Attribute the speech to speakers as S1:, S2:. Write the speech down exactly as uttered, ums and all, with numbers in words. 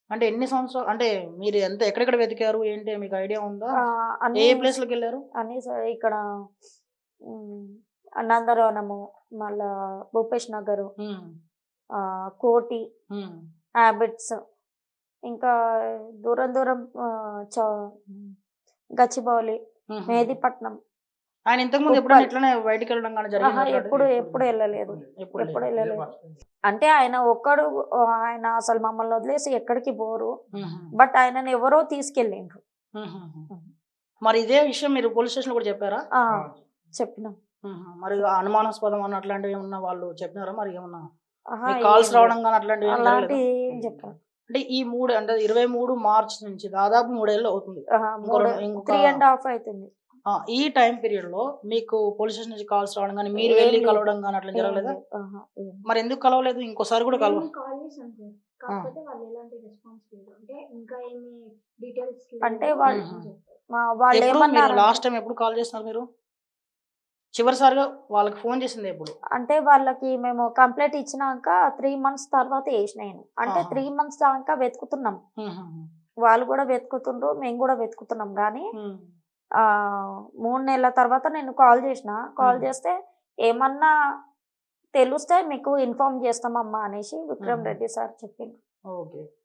S1: అంటే ఎన్ని సంవత్సరాలు అంటే మీరు ఎంత ఎక్కడెక్కడ వెతికారు? ఏంటి మీకు ఐడియా ఉందా?
S2: ఆహ్,
S1: ఏ
S2: అన్నీ
S1: ఏ ప్లేస్‌లకెళ్లారు?
S2: అన్నీ స ఇక్కడ హ్మ్. నందనవనము, మళ్ళా భూపేష్ నగరు,
S1: హ్మ్.
S2: ఆహ్, కోటి,
S1: హ్మ్.
S2: హాబిట్స్, ఇంకా దూరం దూరం ఆహ్, చ గచ్చిబౌలి,
S1: హుహు.
S2: మెహదీపట్నం,
S1: ఆయన ఇంతకుముందు ఎప్పుడైనా
S2: ఉప్పల్.
S1: ఇట్లనే బయటికెళ్ళడం గాని
S2: ఆహా!
S1: జరిగిందా అట్లాంటిది?
S2: ఎప్పుడు ఎప్పుడు ఎళ్ళలేదు.
S1: ఎప్పుడు
S2: ఎప్పుడు
S1: లేదు.
S2: ఎళ్ళలేదు. అంటే ఆయన ఒక్కడు ఆహ్, ఆయన అసలు మమ్మల్ని వదిలేసి ఎక్కడికి పోరు.
S1: హుహు.
S2: బట్ ఆయనని ఎవరో తీసుకెళ్ళిండ్రు.
S1: హుహుహు.
S2: హ్మ్.
S1: మరి ఇదే విషయం మీరు పోలీస్ స్టేషన్‌లో కూడా చెప్పారా?
S2: ఆ! చెప్పినాం.
S1: హుహు. మరి అనుమానాస్పదం అని అట్లాంటివేమన్నా వాళ్ళు చెప్పినారా? మరి ఏమన్నా
S2: ఆహా!
S1: మీకు కాల్స్
S2: ఏం లేదు.
S1: రావడం గాని అట్లాంటివేం జరగలేదా?
S2: అలాంటివి ఏం చెప్పలేదు.
S1: అంటే ఈ మూడు అంటే ఇరవై మూడు మార్చ్ నుంచి దాదాపు మూడు ఏళ్ళు అవుతుంది.
S2: ఆహా!
S1: ఇంకో
S2: మూడు
S1: రెండు ఇంకొక
S2: మూడు ½ అయితుంది.
S1: ఆ! ఈ టైమ్ పీరియడ్‌లో మీకు పోలీస్ స్టేషన్ నుంచి కాల్స్ రావడం గాని, మీరు
S2: ఏం
S1: వెళ్లి
S2: లేదు.
S1: కలవడం గాని అట్లా
S2: ఏం
S1: జరగలేదా?
S2: లేదు. ఆహా! ఏం
S1: మరెందుకు కలవలేదు? ఇంకోసారి కూడా కలవ
S3: మేము కాల్ చేసాం సార్.
S1: ఆ!
S3: కాకపోతే వాళ్ళు ఎలాంటి రెస్పాన్స్ లేదు. అంటే ఇంకా ఏమి డీటెయిల్స్
S2: అంటే
S3: లేవు
S2: వాళ్ళు
S1: హుహు.
S3: అని చెప్పారు.
S2: మా
S1: ఎప్పుడు మీరు
S2: వాళ్ళేమన్నారంటే
S1: లాస్ట్ టైమ్ ఎప్పుడు కాల్ చేస్తున్నారు మీరు? చివరిసారిగా వాళ్ళకి ఫోను చేసిందెప్పుడు?
S2: అంటే వాళ్ళకి మేము కంప్లెయింట్ ఇచ్చినాక మూడు మంత్స్ తర్వాత చేసినా నేను. అంటే
S1: ఆహా!
S2: మూడు మంత్స్ దాకా వెతుకుతున్నాం.
S1: హుహుహు.
S2: వాళ్ళు గూడా వెతుకుతుండ్రు. మేము గూడా వెతుకుతున్నాం గానీ
S1: హ్మ్.
S2: ఆహ్, మూడు నెలల తర్వాత నేను కాల్ జేసినా. కాల్
S1: హ్మ్.
S2: జేస్తే ఏమన్నా తెలుస్తే మీకు ఇన్ఫార్మ్ చేస్తామమ్మా అనేసి విక్రమ్
S1: హుహు.
S2: రెడ్డి సార్ చెప్పిండ్రు.
S1: ఓకే.